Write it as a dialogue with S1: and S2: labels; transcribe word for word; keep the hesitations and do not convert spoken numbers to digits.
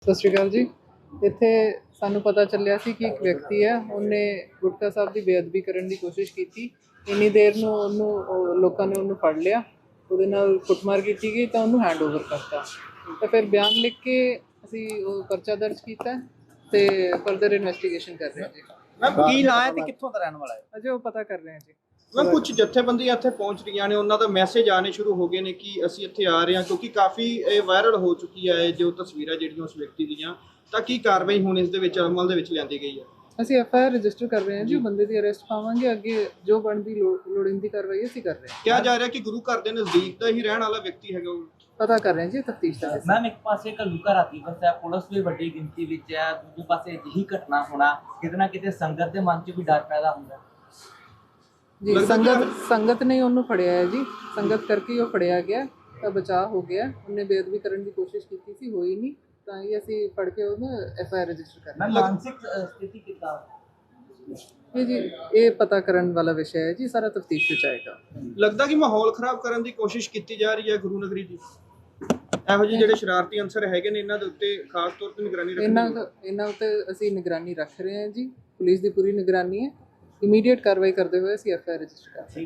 S1: ਸਤਿ ਸ਼੍ਰੀ ਅਕਾਲ ਜੀ। ਇੱਥੇ ਸਾਨੂੰ ਪਤਾ ਚੱਲਿਆ ਸੀ ਕਿ ਇੱਕ ਵਿਅਕਤੀ ਹੈ, ਉਹਨੇ ਗੁਟਕਾ ਸਾਹਿਬ ਦੀ ਬੇਅਦਬੀ ਕਰਨ ਦੀ ਕੋਸ਼ਿਸ਼ ਕੀਤੀ। ਇੰਨੀ ਦੇਰ ਨੂੰ ਉਹਨੂੰ ਉਹ ਲੋਕਾਂ ਨੇ ਉਹਨੂੰ ਫੜ ਲਿਆ, ਉਹਦੇ ਨਾਲ ਕੁੱਟਮਾਰ ਕੀਤੀ ਗਈ ਤਾਂ ਉਹਨੂੰ ਹੈਂਡ ਓਵਰ ਕਰਤਾ। ਤਾਂ ਫਿਰ ਬਿਆਨ ਲਿਖ ਕੇ ਅਸੀਂ ਉਹ ਪਰਚਾ ਦਰਜ ਕੀਤਾ ਤੇ ਫਰਦਰ ਇਨਵੈਸਟੀਗੇਸ਼ਨ ਕਰ ਰਹੇ ਹਾਂ ਜੀ।
S2: ਮੈਮ ਕੀ ਨਾਂ ਹੈ ਤੇ ਕਿੱਥੋਂ ਦਾ ਰਹਿਣ ਵਾਲਾ ਹੈ?
S1: ਅਜੇ ਉਹ ਪਤਾ ਕਰ ਰਹੇ ਹਾਂ ਜੀ।
S2: ਮੈਮ ਕੁਝ ਜਥੇਬੰਦੀਆਂ ਇੱਥੇ ਪਹੁੰਚ ਰਹੀਆਂ ਨੇ, ਉਹਨਾਂ ਦਾ ਮੈਸੇਜ ਆਣੇ ਸ਼ੁਰੂ ਹੋ ਗਏ ਨੇ ਕਿ ਅਸੀਂ ਇੱਥੇ ਆ ਰਹੇ ਹਾਂ, ਕਿਉਂਕਿ ਕਾਫੀ ਇਹ ਵਾਇਰਲ ਹੋ ਚੁੱਕੀ ਹੈ ਜੋ ਤਸਵੀਰਾਂ ਜਿਹੜੀਆਂ ਉਸ ਵਿਅਕਤੀ ਦੀਆਂ। ਤਾਂ ਕੀ ਕਾਰਵਾਈ ਹੁਣ ਇਸ ਦੇ ਵਿੱਚ ਅਮਲ ਦੇ ਵਿੱਚ ਲਿਆਂਦੀ ਗਈ ਹੈ?
S1: ਅਸੀਂ ਐਫ ਆਈ ਆਰ ਰਜਿਸਟਰ ਕਰ ਰਹੇ ਹਾਂ ਜੀ, ਬੰਦੇ ਦੀ ਅਰੈਸਟ ਪਾਵਾਂਗੇ। ਅੱਗੇ ਜੋ ਬਣਦੀ ਲੋੜੀਂਦੀ ਕਾਰਵਾਈ ਅਸੀਂ ਕਰ ਰਹੇ ਹਾਂ।
S2: ਕਿਹਾ ਜਾ ਰਿਹਾ ਕਿ ਗੁਰੂ ਘਰ ਦੇ ਨਜ਼ਦੀਕ ਦਾ ਹੀ ਰਹਿਣ ਵਾਲਾ ਵਿਅਕਤੀ ਹੈਗਾ ਉਹ।
S1: ਪਤਾ ਕਰ ਰਹੇ ਹਾਂ ਜੀ, ਤਫਤੀਸ਼ ਦਾ।
S3: ਮੈਮ ਇੱਕ ਪਾਸੇ ਘੱਲੂਘਾਰਾ ਰਾਤੀ ਵਸਿਆ, ਪੁਲਿਸ ਵੀ ਵੱਡੀ ਗਿਣਤੀ ਵਿੱਚ ਹੈ, ਦੂਜੇ ਪਾਸੇ ਅਜਿਹੀ ਘਟਨਾ ਹੋਣਾ ਕਿਤੇ ਨਾ ਕਿਤੇ ਸੰਗਤ ਦੇ ਮਨ 'ਚ ਵੀ ਡਰ ਪੈਦਾ ਹੁੰਦਾ
S1: ਜੀ। ਸੰਗਤ ਸੰਗਤ ਨੇ ਉਹਨੂੰ ਫੜਿਆ ਹੈ ਜੀ, ਸੰਗਤ ਕਰਕੇ ਉਹ ਫੜਿਆ ਗਿਆ ਤਾਂ ਬਚਾਅ ਹੋ ਗਿਆ। ਉਹਨੇ ਬੇਅਦਬੀ ਕਰਨ ਦੀ ਕੋਸ਼ਿਸ਼ ਕੀਤੀ ਸੀ, ਹੋਈ ਨਹੀਂ, ਤਾਂ ਹੀ ਅਸੀਂ ਫੜ ਕੇ ਉਹਨੂੰ ਐਫ ਆਈ ਆਰ ਰਜਿਸਟਰ ਕਰ ਰਹੇ ਹਾਂ।
S3: ਮਾਨਸਿਕ ਸਥਿਤੀ ਕਿੱਦਾਂ
S1: ਇਹ ਜੀ ਇਹ ਪਤਾ ਕਰਨ ਵਾਲਾ ਵਿਸ਼ਾ ਹੈ ਜੀ, ਸਾਰਾ ਤਫਤੀਸ਼ ਵਿੱਚ ਆਏਗਾ।
S2: ਲੱਗਦਾ ਕਿ ਮਾਹੌਲ ਖਰਾਬ ਕਰਨ ਦੀ ਕੋਸ਼ਿਸ਼ ਕੀਤੀ ਜਾ ਰਹੀ ਹੈ ਗੁਰੂ ਨਗਰੀ ਦੀ। ਇਹੋ ਜਿਹੇ ਜਿਹੜੇ ਸ਼ਰਾਰਤੀ ਅੰਸਰ ਹੈਗੇ ਨੇ, ਇਹਨਾਂ ਦੇ ਉੱਤੇ ਖਾਸ ਤੌਰ ਤੇ ਨਿਗਰਾਨੀ ਰੱਖਣੀ
S1: ਇਹਨਾਂ ਇਹਨਾਂ ਉੱਤੇ ਅਸੀਂ ਨਿਗਰਾਨੀ ਰੱਖ ਰਹੇ ਹਾਂ ਜੀ, ਪੁਲਿਸ ਦੀ ਪੂਰੀ ਨਿਗਰਾਨੀ ਹੈ। ਇਮੀਡੀਏਟ ਕਾਰਵਾਈ ਕਰਦੇ ਹੋਏ ਅਸੀਂ ਐਫ ਆਈ ਆਰ ਰਜਿਸਟਰ ਕਰ ਰਹੇ ਹਾਂ।